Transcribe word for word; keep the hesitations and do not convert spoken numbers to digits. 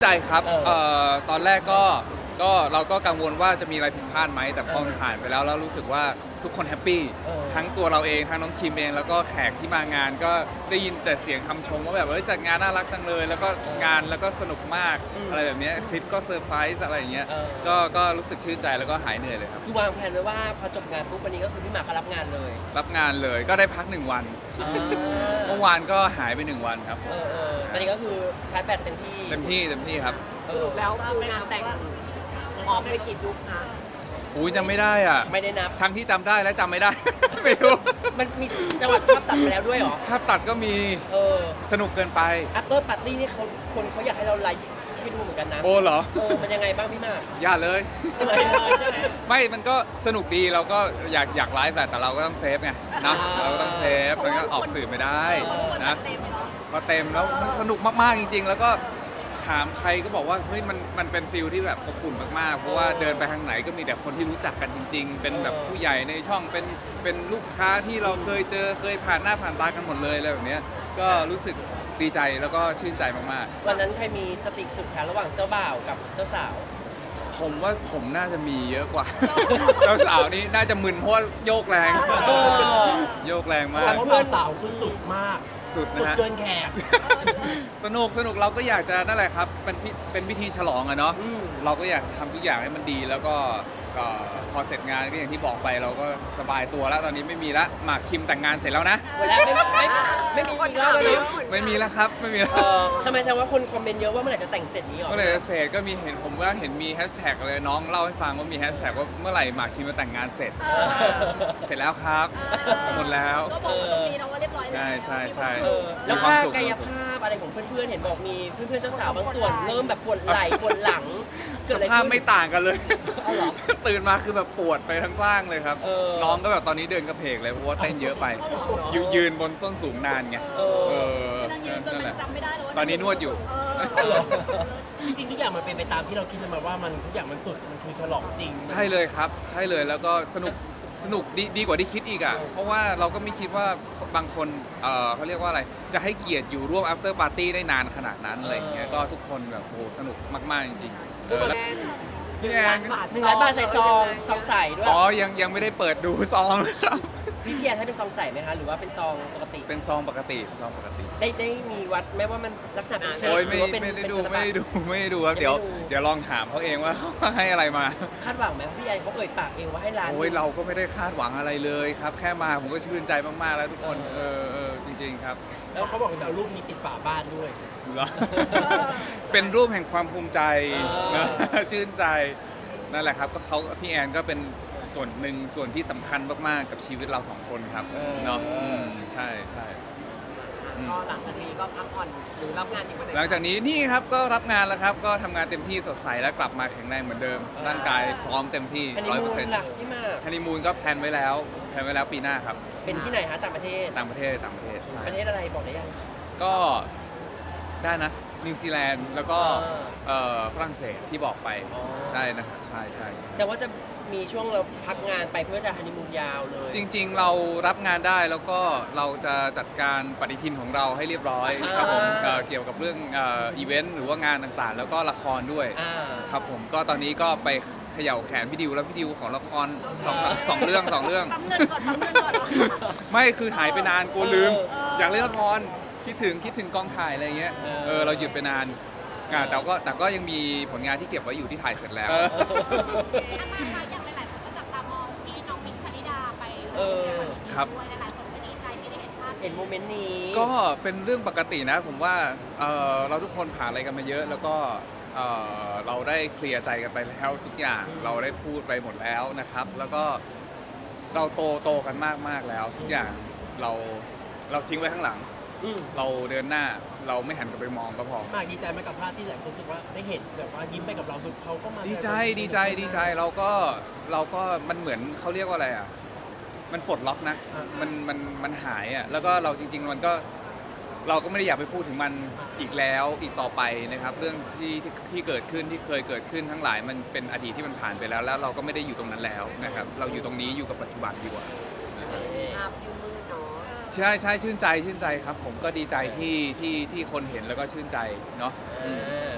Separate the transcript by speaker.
Speaker 1: ใจครับ
Speaker 2: เออ
Speaker 1: เอ่อตอนแรกก็ก็เราก็กังวลว่าจะมีอะไรผิดพลาดไหมแต่พอมันผ่านไปแล้วแล้วรู้สึกว่าทุกคนแฮปปี้
Speaker 2: เออ
Speaker 1: ทั้งตัวเราเองทั้งน้องคิมเองแล้วก็แขกที่มางานก็ได้ยินแต่เสียงคำชมว่าแบบเอ้ยจัดงานน่ารักจังเลย แล้วก็งานแล้วก็สนุกมากอะไรแบบเนี้ยคลิปก็เซอร์ไพรส์อะไรอย่างเงี้ย
Speaker 2: เออ
Speaker 1: ก็ก็รู้สึกชื่นใจแล้วก็หายเหนื่อยเลยครับ
Speaker 2: คือวางแผนไว้ว่าพอจบงานปุ๊บวันนี้ก็คือพี่หมากก็รับงานเลย
Speaker 1: รับงานเลยก็ได้พักหนึ่งวัน
Speaker 2: อ่า
Speaker 1: เมื่อวานก็หายไปหนึ่งวันครับ
Speaker 2: เออเออตอนนี้ก็คือชาร์จแบตเต็มที่
Speaker 1: เต็มที่เต็มที่ครับ
Speaker 2: เอ
Speaker 3: ส
Speaker 2: อ
Speaker 3: รุปแล้วคืองานแต่งพร้อมไปกี่จุ๊บคะ
Speaker 1: อุ้ยจำไม่ได้อ่ะ
Speaker 2: ไม่ได้นับ
Speaker 1: ทั้งที่จำได้และจำไม่ได้ ไม่รู้
Speaker 2: มันมีจังหวัดภาพตัดไปแล้วด้วยเหรอ
Speaker 1: ภาพตัดก็มี
Speaker 2: เออ
Speaker 1: สนุกเกินไป
Speaker 2: after party นี่เขาคนเขาอยากให้เราไลฟ์ให้ดูเหมือนกันนะ
Speaker 1: โอ้เหรอ
Speaker 2: เออมันยังไงบ้างพี่หมาก
Speaker 1: อย่าเลย
Speaker 2: เลยเลยใช่ไหม
Speaker 1: ไม่ มันก็สนุกดีเราก็อยากอยากไลฟ์แหละแต่เราก็ต้องเซฟไงนะ
Speaker 2: อ่า
Speaker 1: เราก็ต้องเซฟมันก็ออกสื่อไม่ได้
Speaker 2: เออ
Speaker 1: นะพอเต็มแล้วมันสนุกมากๆจริง ๆ แล้วก็ถามใครก็บอกว่าเฮ้ยมันมันเป็นฟิลที่แบบอบอุ่นมากๆเพราะว่าเดินไปทางไหนก็มีแต่คนที่รู้จักกันจริง ๆ เป็นแบบผู้ใหญ่ในช่องเป็นเป็นลูกค้าที่เราเคยเจอเคยผ่านหน้าผ่านตากันหมดเลยอะไรแบบเนี้ยก็รู้สึกดีใจแล้วก็ชื่นใจมากๆ
Speaker 2: วันนั้นใครมีสติสุดคะระหว่างเจ้าบ่าวกับเจ้าสาว
Speaker 1: ผมว่าผมน่าจะมีเยอะกว่า เจ้าสาวนี่น่าจะมึนเพราะว่าโยกแรง
Speaker 2: เออ
Speaker 1: โยกแรงมา
Speaker 4: เพ
Speaker 1: ก
Speaker 4: ราะเพื่อนสาวคือสุดมาก
Speaker 1: สุด
Speaker 4: สุด
Speaker 1: นะฮะ
Speaker 4: เกินแขก
Speaker 1: สนุกสนุกเราก็อยากจะนั่นแหละครับเป็นพิเป็นพิธีฉลองอะเนาะ
Speaker 2: อืม
Speaker 1: เราก็อยากทำทุกอย่างให้มันดีแล้วก็ก็พอเสร็จงานก็อย่างที่บอกไปเราก็สบายตัวแล้วตอนนี้ไม่มีละหมากคิมแต่งงานเสร็จแล้วนะ
Speaker 2: เวลาไม่ไม่ไม่มีอีกรอบแล้วเนาะ
Speaker 1: ไม่มีแล้วครับไม่มีแล้ว
Speaker 2: เออทำไมแสดงว่าคนคอมเมนต์เยอะว่าเมื่อไหร่จะแต่งเสร็จนี้หรอ
Speaker 1: เมื่อไหร่จะเสร็จก็มีเห็นผมว่าเห็นมีแฮชแท็กเลยน้องเล่าให้ฟังว่ามีแฮชแท็กว่าเมื่อไหร่หมากคิมจะแต่งงานเสร็จ เสร็จแล้วครับหมดแล้ว
Speaker 3: ก็บอกว่าตรงนี้เนาะว่าเรียบร้อยแล้ว
Speaker 1: ใช่ใช่ใช่
Speaker 2: เออแล้วค่ากายภาพอะไรของเพื่อนๆ เห็นบอกมีเพื่อนๆ เจ้าสาวบางส่วน เริ่มแบบปวดไหล่ปวดหลังเกิด
Speaker 1: ส
Speaker 2: อะไร
Speaker 1: ภาพ
Speaker 2: ขึ้น
Speaker 1: ไม่ต่างกันเลย
Speaker 2: เอาเหรอ
Speaker 1: ตื่นมาคือแบบปวดไปทั้งร่างเลยครับ
Speaker 2: เออ
Speaker 1: น้องก็แบบตอนนี้เดินกระเพกเลยเพราะว่าเต้นเยอะไปยนยืนบนส้นสูงนานไง
Speaker 2: เออ
Speaker 1: เออ
Speaker 3: นั่งยืนจน
Speaker 1: นั่น
Speaker 3: มั
Speaker 1: แห
Speaker 3: น
Speaker 1: ละ
Speaker 3: จำไม่ได้เลยว่า
Speaker 1: ตอนนี้นวดอยู่
Speaker 3: เออ
Speaker 2: เอาเหรอ
Speaker 4: จริงๆทุกอย่างมันเป็นไปตามที่เราคิดมาว่ามันทุกอย่างมันสุด มันคือฉลองจริง
Speaker 1: ใช่เลยครับ ใช่เลยแล้วก็สนุกสนุกดีดีกว่าที่คิดอีกอ่ะเพราะว่าเราก็ไม่คิดว่าบางคนเออเขาเรียกว่าอะไรจะให้เกียรติอยู่ร่วม after party ได้นานขนาดนั้นอะไรอย่างเงี้ยก็ทุกคนแบบโอ้โหสนุกมากๆจริงๆเออแล้วพี่แอน
Speaker 2: หนึ่งล้านบาทใส่ซองซองใส่ด้วย
Speaker 1: อ๋อยังยังไม่ได้เปิดดูซองเลยครับ
Speaker 2: พี่เพียนให้เป็นซองใส่ไหมคะ หรือว่าเป็นซองปกติ
Speaker 1: เป็นซองปกติซองปกติ
Speaker 2: ได้ได้มีวัดไหมว่ามันลักษณะเป็นเชฟ
Speaker 1: โอ้ย
Speaker 2: ห
Speaker 1: ไม่
Speaker 2: รือว่าเป็น
Speaker 1: ไม่ได้
Speaker 2: เป็น
Speaker 1: ดู
Speaker 2: ธนบั
Speaker 1: ไม่
Speaker 2: ตร
Speaker 1: ได้ดูไม่ได้ดูครับ
Speaker 2: ยังไม่
Speaker 1: เดี๋ยว
Speaker 2: ดู
Speaker 1: เดี๋ยวลองถามเขาเองว่า เขาให้อะไรมา
Speaker 2: คาดหวังไหมพี่แอนเขาเอ่ยปากเองว่าให้ร้าน
Speaker 1: โอ้ยเราก็ไม่ได้คาดหวังอะไรเลยครับ แค่มาผมก็ชื่นใจมากๆแล้วทุกคน
Speaker 2: เอ
Speaker 1: เอ
Speaker 2: อ
Speaker 1: อเออจริง ๆครับ
Speaker 4: แล้วเขาบอกว่าจะเอารูปนี้ติดฝาบ้านด้วย
Speaker 1: เหรอ เป็นรูปแห่งความภูมิใจ
Speaker 2: เออ
Speaker 1: นะ ชื่นใจนั่นแหละครับก็เขาพี่แอนก็เป็นส่วนหนึ่งส่วนที่สำคัญมากๆกับชีวิตเราสองคนครับเนาะอืมใช่ใช่
Speaker 3: ก็หลังจากนี้ก็พักผ่อนหรือรับงานอีกวันไหน
Speaker 1: หลังจากนี้นี่ครับก็รับงานแล้วครับ ก็ทำงานเต็มที่สดใสและกลับมาแข็งแรงเหมือนเดิม ร่างกายพร้อมเต็มที่
Speaker 2: ฮันนี
Speaker 1: ร้อย
Speaker 2: มู
Speaker 1: เปอร์เซ็น
Speaker 2: น
Speaker 1: ต์
Speaker 2: ล่ะพี่หมาก
Speaker 1: ฮันนีมูนก็แพลนไว้แล้วแพลนไว้แล้วปีหน้าครับ
Speaker 2: เป็นที่ไหนคะต่างประเทศ
Speaker 1: ต่างประเทศต่างประเทศใช่
Speaker 2: ประเทศอะไรบอกได้ยัง
Speaker 1: ก็ได้นะนิวซีแลนด์แล้วก็
Speaker 2: อ่า
Speaker 1: เอ่อฝรั่งเศสที่บอกไป
Speaker 2: อ๋อ
Speaker 1: ใช่นะครับใช่ใช่ใช่
Speaker 2: แต่ว่าจะมีช่วงเราพักงานไปเพื่อจะฮันนีมูนยาวเลย
Speaker 1: จริงๆ เรารับงานได้แล้วก็เราจะจัดการปฏิทินของเราให้เรียบร้อยครับผม
Speaker 2: อ่า
Speaker 1: เอ่อเกี่ยวกับเรื่องเอ่ออีเวนต์หรือว่างานต่างๆ แล้วก็ละครด้วย
Speaker 2: อ่า
Speaker 1: ครับผมก็ตอนนี้ก็ไปเขย่าแขนพี่ดิวแล้วพี่ดิวของละครสองสองเรื่องสองเรื่อง
Speaker 3: ปั๊มเงินก่อนปั๊มเงินก่อน
Speaker 1: ไม่คือหายไปนานกลัวลืม
Speaker 2: เออ
Speaker 1: อยากเล่นละครคิดถึงคิดถึงกองถ่ายอะไรเงี้ย
Speaker 2: เออ
Speaker 1: เออเราหยุดไปนานอ่าแต่ก็แต่ก็ยังมีผลงานที่เก็บไว้อยู่ที่ถ่ายเสร็จแล้ว
Speaker 2: เออ
Speaker 5: อามาค่ะอย่างหลายๆคนก็จับตามองที่น้องมิกชลิดาไป
Speaker 2: เออ
Speaker 1: ครับ
Speaker 5: ด้วยหลายๆคนก็ดีใจที่ได้เห็นภาพ
Speaker 2: เห็นโมเมนต์นี้
Speaker 1: ก็เป็นเรื่องปกตินะผมว่าเอ่อเราทุกคนผ่านอะไรกันมาเยอะ แล้วก็เอ่อเราได้เคลียร์ใจกันไปแล้วทุกอย่างเราได้พูดไปหมดแล้วนะครับ แล้วก็เราโตโตกันมากมากๆแล้ว ทุกอย่างเราเราทิ้งไว้ข้างหลัง
Speaker 2: อืม
Speaker 1: เราเดินหน้าเราไม่หันกลับไปมองก็พอ
Speaker 4: มากดีใจไหมกับภาพที่หลายคนรู้สึกว่าได้เห็นแบบว่ายิ้มไปกับเราคือเขาก็มา
Speaker 1: ดีใจดีใจดีใจเราก็เราก็มันเหมือนเขาเรียกว่าอะไรอ่ะมันปลดล็อกนะ มันมันมันหายอ่ะแล้วก็เราจริง ๆ มันก็เราก็ไม่ได้อยากไปพูดถึงมันอีกแล้วอีกต่อไปนะครับ เรื่องที่ที่ที่เกิดขึ้นที่เคยเกิดขึ้นทั้งหลายมันเป็นอดีตที่มันผ่านไปแล้ว แล้วเราก็ไม่ได้อยู่ตรงนั้นแล้วนะครับ เราอยู่ตรงนี้อยู่กับปัจจุบันดีกว่า
Speaker 3: ภาพชื่นมืดเนาะ
Speaker 1: ใช่ใช่ชื่นใจชื่นใจครับ ผมก็ดีใจที่ที่ที่คนเห็นแล้วก็ชื่นใจเนาะอืม
Speaker 2: อ่า